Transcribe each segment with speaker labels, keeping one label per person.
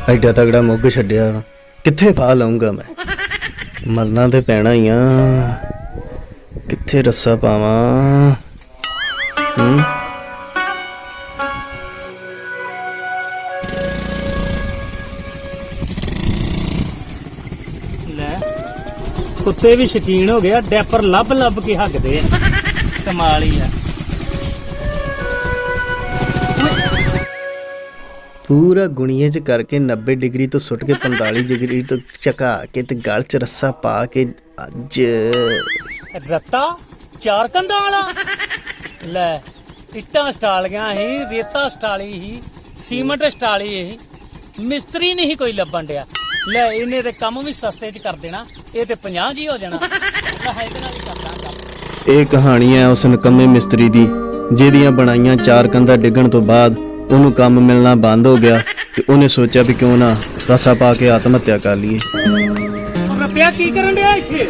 Speaker 1: ਐਡਾ ਤਗੜਾ ਮੁੱਗ ਛੱਡਿਆ ਕਿੱਥੇ ਪਾ ਲਾਉਂਗਾ ਮੈਂ। ਮਰਨਾ ਤੇ ਪੈਣਾ ਹੀ ਆ। ਕਿੱਥੇ ਰੱਸਾ ਪਾਵਾਂ?
Speaker 2: ਲੈ ਕੁੱਤੇ ਵੀ ਸ਼ਕੀਨ ਹੋ ਗਿਆ, ਡੈਪਰ ਲੱਭ ਲੱਭ ਕੇ ਹੱਗਦੇ ਆ। ਕਮਾਲ ਹੀ ਆ।
Speaker 1: ਪੂਰਾ ਗੁਣੀਏ ਚ ਕਰਕੇ 90 ਡਿਗਰੀ ਤੋਂ ਸੁੱਟ ਕੇ 45 ਡਿਗਰੀ ਤੋਂ ਝਕਾ ਕੇ ਤੇ ਗਲ ਚ ਰੱਸਾ ਪਾ ਕੇ ਅੱਜ
Speaker 2: ਰੱਤਾ 4 ਕੰਧਾਂ ਵਾਲਾ। ਲੈ ਇੱਟਾਂ ਸਟਾਲੀਆਂ ਸੀ, ਰੇਤਾ ਸਟਾਲੀ ਸੀ, ਸੀਮਟ ਸਟਾਲੀ ਸੀ, ਮਿਸਤਰੀ ਨਹੀਂ ਕੋਈ ਲੱਭਣ ਡਿਆ। ਲੈ ਇਹਨੇ ਤੇ ਕੰਮ ਵੀ ਸਸਤੇ ਚ ਕਰ ਦੇਣਾ, ਇਹ ਤੇ 50 ਜੀ ਹੋ ਜਾਣਾ। ਲੈ ਇਹਦੇ ਨਾਲ ਹੀ ਕਰਦਾ ਕੰਮ।
Speaker 1: ਇਹ ਕਹਾਣੀ ਹੈ ਉਸ ਨਕੰਮੇ ਮਿਸਤਰੀ ਦੀ ਜਿਹਦੀਆਂ ਬਣਾਈਆਂ 4 ਕੰਧਾਂ ਡਿੱਗਣ ਤੋਂ ਬਾਅਦ ਉਹਨੂੰ ਕੰਮ ਮਿਲਣਾ ਬੰਦ ਹੋ ਗਿਆ ਤੇ ਉਹਨੇ ਸੋਚਿਆ ਵੀ ਕਿਉਂ ਨਾ ਰੱਸਾ ਪਾ ਕੇ ਆਤਮ ਹੱਤਿਆ ਕਰ ਲਈਏ।
Speaker 2: ਰੱਤਿਆ ਕੀ ਕਰਨ ਡਿਆ ਇੱਥੇ?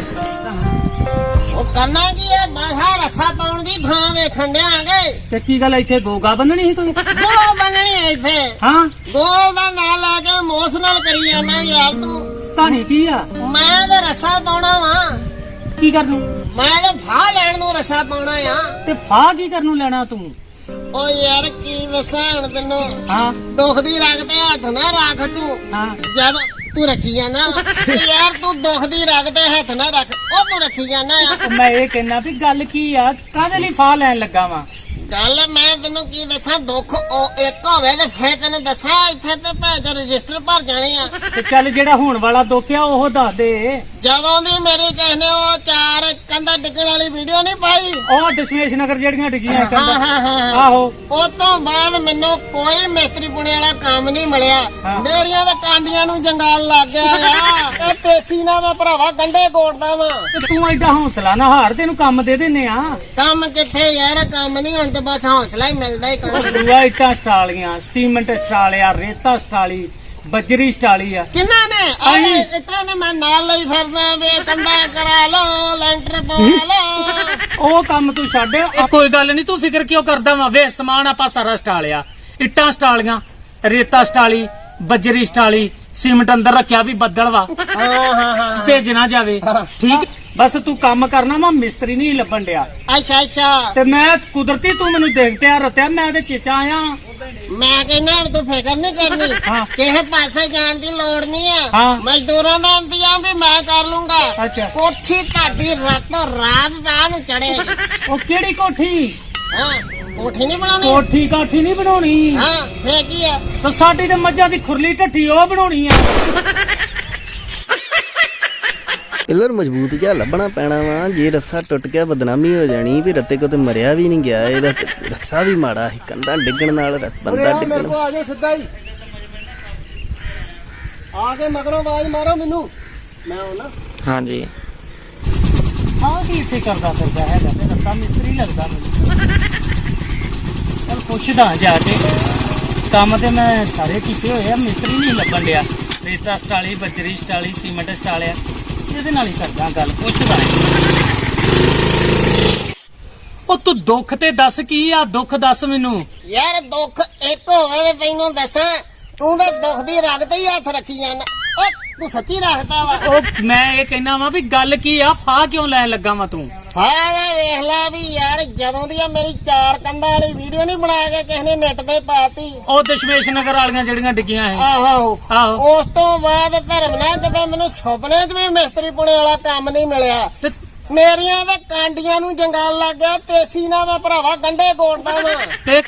Speaker 3: ਉਹ ਕਰਨਾ ਕੀ ਹੈ? ਬਾਹਰ ਰੱਸਾ ਪਾਉਣ ਦੀ ਥਾਂ ਵੇਖਣ ਡਿਆਂਗੇ।
Speaker 2: ਤੇ ਕੀ ਗੱਲ ਇੱਥੇ ਗੋਗਾ ਬੰਨਣੀ ਸੀ ਕੋਈ?
Speaker 3: ਗੋ ਬੰਨਣੀ ਹੈ ਇੱਥੇ।
Speaker 2: ਹਾਂ
Speaker 3: ਗੋ ਦਾ ਨਾਂ ਲਾ ਕੇ ਇਮੋਸ਼ਨਲ ਕਰੀ ਜਾਂਦਾ ਯਾਰ ਤੂੰ।
Speaker 2: ਕਹਾਣੀ ਕੀ ਆ?
Speaker 3: ਮੈਂ ਤੇ ਰੱਸਾ ਪਾਉਣਾ ਵਾ।
Speaker 2: ਕੀ ਕਰਨ ਨੂੰ?
Speaker 3: ਮੈਂ ਤੇ ਫਾਹ ਲੈਣ ਨੂੰ ਰੱਸਾ ਪਾਉਣਾ ਆ।
Speaker 2: ਤੇ ਫਾਹ ਕੀ ਕਰਨ ਨੂੰ ਲੈਣਾ ਤੂੰ?
Speaker 3: ਓ ਯਾਰ ਕੀ ਦੱਸਾਂ ਹੁਣ ਤੈਨੂੰ।
Speaker 2: ਹਾਂ
Speaker 3: ਦੁੱਖ ਦੀ ਰੱਖ ਤੇ ਹੱਥ ਨਾ ਰੱਖ ਤੂੰ।
Speaker 2: ਹਾਂ
Speaker 3: ਜਦ ਤੂੰ ਰੱਖੀ ਜਾਂਦਾ ਯਾਰ, ਤੂੰ ਦੁੱਖ ਦੀ ਰੱਖ ਤੇ ਹੱਥ ਨਾ ਰੱਖ। ਉਹ ਤੂੰ ਰੱਖੀ ਜਾਂਦਾ ਆ।
Speaker 2: ਮੈਂ ਇਹ ਕਹਿਣਾ ਵੀ ਗੱਲ ਕੀ ਆ, ਕਾਹਦੇ ਲਈ ਫਾਹ ਲੈਣ ਲੱਗਾ ਵਾ?
Speaker 3: ਗੱਲ ਮੈਂ ਤੈਨੂੰ ਕੀ ਦੱਸਾਂ, ਦੁੱਖ ਉਹ ਇੱਕ ਹੋਵੇ ਤੇ ਫੇਰ ਤੈਨੂੰ ਦੱਸਾਂ। ਇੱਥੇ ਤੇ ਭੈਣ ਰਜਿਸਟਰ ਭਰ ਜਾਣੇ ਆ।
Speaker 2: ਤੇ ਚੱਲ ਜਿਹੜਾ ਹੋਣ ਵਾਲਾ ਦੁੱਖ ਆ ਉਹ ਦੱਸ ਦੇ।
Speaker 3: ਜਦੋਂ ਦੀ ਮੇਰੀ ਕਿਸੇ ਨੇ ਉਹ 4 ਕੰਧਾਂ ਡਿੱਗਣ ਵਾਲੀ ਵੀਡੀਓ ਨਹੀਂ ਪਾਈ,
Speaker 2: ਉਹ ਦਸ਼ਮੇਸ਼ ਨਗਰ ਜਿਹੜੀਆਂ ਡਿੱਗੀਆਂ
Speaker 3: ਹਾਂ।
Speaker 2: ਆਹੋ
Speaker 3: ਉਹ ਤੋਂ ਬਾਅਦ ਮੈਨੂੰ ਕੋਈ ਮਿਸਤਰੀ ਪੁਣੇ ਵਾਲਾ ਕੰਮ ਨਹੀਂ ਮਿਲਿਆ।
Speaker 2: ਹਾਂ।
Speaker 3: ਮੇਰੀਆਂ ਤਾਂ ਕਾਂਡੀਆਂ ਨੂੰ ਜੰਗਾਲ ਲੱਗ ਗਿਆ ਆ। ਇਹ ਤੇਸੀ ਨਾ ਮੈਂ ਭਰਾਵਾ ਗੰਢੇ ਗੋੜਦਾ ਵਾਂ।
Speaker 2: ਤੇ ਤੂੰ ਐਡਾ ਹੌਸਲਾ ਨਾ ਹਾਰ, ਤੈਨੂੰ ਕੰਮ ਦੇ ਦਿੰਨੇ ਆ।
Speaker 3: ਕੰਮ ਕਿੱਥੇ ਯਾਰ, ਕੰਮ ਨਹੀਂ ਹੁਣ ਤੇ ਬਸ ਹੌਸਲਾ ਹੀ ਮਿਲਦਾ ਹੀ ਕੰਮ।
Speaker 2: ਦੂਆ ਇੱਟਾਂ ਸਟਾਲੀਆਂ, ਸੀਮੈਂਟ ਸਟਾਲਿਆ, ਰੇਤਾ ਸਟਾਲੀ, ਬੱਜਰੀ ਸਟਾਲੀ ਆ।
Speaker 3: ਕਿੰਨਾ ਨੇ
Speaker 2: ਆਹੀ।
Speaker 3: ਇੱਟਾਂ ਨੇ ਮੈਂ ਨਾਲ ਲਈ ਫਿਰਦਾ ਵੇ। ਕੰਧਾ ਕਰਾ ਲੋ, ਲੈਂਟਰ ਪਵਾ ਲੋ।
Speaker 2: ਉਹ ਕੰਮ ਤੂੰ ਛੱਡ। ਕੋਈ ਗੱਲ ਨਹੀਂ, ਤੂੰ ਫਿਕਰ ਕਿਉਂ ਕਰਦਾ ਵਾ? ਵੇ ਸਮਾਨ ਆਪਾਂ ਸਾਰਾ ਸਟਾਲਿਆ, ਇੱਟਾਂ ਸਟਾਲੀਆਂ, ਰੇਤਾ ਸਟਾਲੀ, ਬੱਜਰੀ ਸਟਾਲੀ, ਸੀਮੈਂਟ ਅੰਦਰ ਰੱਖਿਆ ਵੀ ਬੱਦਲ ਵਾ
Speaker 3: ਹਾਂ
Speaker 2: ਭੇਜ ਨਾ ਜਾਵੇ। ਠੀਕ, ਬਸ ਤੂੰ ਕੰਮ ਕਰਨਾ ਵਾ, ਮਿਸਤਰੀ ਨਹੀਂ ਲੱਭਣ ਡਿਆ।
Speaker 3: ਅੱਛਾ ਅੱਛਾ।
Speaker 2: ਤੇ ਮੈਂ ਕੁਦਰਤੀ ਤੂੰ ਮੈਨੂੰ ਦੇਖ ਪਿਆ ਰਤਿਆ, ਮੈਂ ਤੇ ਚੇਚਾ ਆਇਆ।
Speaker 3: ਮੈਂ ਕਹਿੰਦਾ ਹੁਣ ਤੂੰ ਫਿਕਰ ਨਹੀਂ ਕਰਨੀ।
Speaker 2: ਹਾਂ।
Speaker 3: ਕਿਸੇ ਪਾਸੇ ਜਾਣ ਦੀ ਲੋੜ ਨਹੀਂ ਆ।
Speaker 2: ਹਾਂ।
Speaker 3: ਮਜ਼ਦੂਰਾਂ ਦਾ ਇੰਤਜ਼ਾਮ ਵੀ ਮੈਂ ਕਰ ਲੂੰਗਾ।
Speaker 2: ਅੱਛਾ।
Speaker 3: ਕੋਠੀ ਤੁਹਾਡੀ ਰਾਤੋਂ ਰਾਤ ਦਾ ਨੂੰ ਚੜੇ।
Speaker 2: ਉਹ ਕਿਹੜੀ ਕੋਠੀ?
Speaker 3: ਹਾਂ, ਕੋਠੀ ਨਹੀਂ ਬਣਾਉਣੀ।
Speaker 2: ਕੋਠੀ ਕਾਠੀ ਨਹੀਂ ਬਣਾਉਣੀ।
Speaker 3: ਹਾਂ ਫੇਰ ਕੀ ਆ?
Speaker 2: ਤੇ ਸਾਡੀ ਤੇ ਮੱਝਾਂ ਦੀ ਖੁਰਲੀ ਢੱਠੀ ਉਹ ਬਣਾਉਣੀ ਆ।
Speaker 1: ਪਿੱਲਰ ਮਜ਼ਬੂਤ ਜਿਹਾ ਲੱਭਣਾ ਪੈਣਾ ਵਾ। ਜੇ ਰੱਸਾ ਟੁੱਟ ਗਿਆ ਬਦਨਾਮੀ ਹੋ ਜਾਣੀ ਵੀ ਰੱਤੇ ਕੋ ਤੇ ਮਰਿਆ ਵੀ ਨਹੀਂ ਗਿਆ। ਇਹਦਾ ਰੱਸਾ ਵੀ ਮਾੜਾ ਸੀ, ਕੰਧਾਂ ਡਿੱਗਣ ਨਾਲ ਬੰਦਾ ਡਿੱਗਣ।
Speaker 3: ਆ ਜਾਓ ਸਿੱਧਾ ਹੀ ਆ ਕੇ ਮਗਰੋਂ ਆਵਾਜ਼ ਮਾਰੋ ਮੈਨੂੰ, ਮੈਂ ਆਉਣਾ।
Speaker 4: ਹਾਂਜੀ
Speaker 2: ਹਾਂ ਕੀ ਇੱਥੇ ਕਰਦਾ ਫਿਰਦਾ ਹੈਗਾ? ਤੇ ਰੱਤਾ ਮਿਸਤਰੀ ਲੱਗਦਾ ਮੈਨੂੰ। ਚਲ ਪੁੱਛਦਾ ਜਾ ਕੇ। ਕੰਮ ਤੇ ਮੈਂ ਸਾਰੇ ਕੀਤੇ ਹੋਏ ਆ, ਮਿਸਤਰੀ ਨਹੀਂ ਲੱਭਣ ਡਿਆ। ਰੇਤਾ ਸਟਾਲੀ, ਬੱਜਰੀ ਸਟਾਲੀ, ਸੀਮੈਂਟ ਸਟਾਲਿਆ, ਇਹਦੇ ਨਾਲ ਹੀ ਕਰਦਾ ਗੱਲ। ਪੁੱਛਦਾ ਉਹ ਤੂੰ ਦੁੱਖ ਤੇ ਦੱਸ ਕੀ ਆ? ਦੁੱਖ ਦੱਸ ਮੈਨੂੰ।
Speaker 3: ਯਾਰ ਦੁੱਖ ਇੱਕ ਹੋਵੇ ਤੇ ਤੈਨੂੰ ਦੱਸਾਂ, ਤੂੰ ਤਾਂ ਦੁੱਖ ਦੀ ਰਗ ਤੇ ਹੀ ਹੱਥ ਰੱਖੀ ਜਾਂਦਾ। ਓ ਤੂੰ ਸੱਚੀ ਰੱਖਦਾ ਵਾ।
Speaker 2: ਉਹ ਮੈਂ ਇਹ ਕਹਿਣਾ ਵਾ ਵੀ ਗੱਲ ਕੀ ਆ? ਫਾਹ ਕਿਉਂ ਲੈਣ ਲੱਗਾ ਵਾ ਤੂੰ?
Speaker 3: ਹਾਂ ਵੇਖ ਲੈ ਵੀ ਯਾਰ, ਜਦੋਂ ਦੀ ਆ ਮੇਰੀ 4 ਕੰਧਾਂ ਵਾਲੀ ਵੀਡੀਓ ਨਹੀਂ ਬਣਾ ਕੇ ਕਿਸੇ ਨੇ ਨੈਟ ਤੇ ਪਾਤੀ।
Speaker 2: ਉਹ ਦਸ਼ਮੇਸ਼ ਨਗਰ ਵਾਲੀਆਂ ਜਿਹੜੀਆਂ ਡਿੱਗੀਆਂ ਹੈ।
Speaker 3: ਆਹੋ। ਉਸ ਤੋਂ ਬਾਅਦ ਧਰਮ ਨਾਲ ਕਿਤੇ ਮੈਨੂੰ ਸੁਪਨੇ 'ਚ ਵੀ ਮਿਸਤਰੀ ਪੁਣੇ ਵਾਲਾ ਕੰਮ ਨਹੀਂ ਮਿਲਿਆ।
Speaker 2: ਤੇ
Speaker 3: ਮੇਰੀਆਂ ਤਾਂ ਕਾਂਡੀਆਂ ਨੂੰ ਜੰਗਾਲ ਲੱਗ ਗਿਆ। ਤੇਸੀ ਨਾਲ ਮੈਂ ਭਰਾਵਾ ਗੰਢੇ ਗੋੜਦਾ ਵਾਂ।
Speaker 2: ਤੇ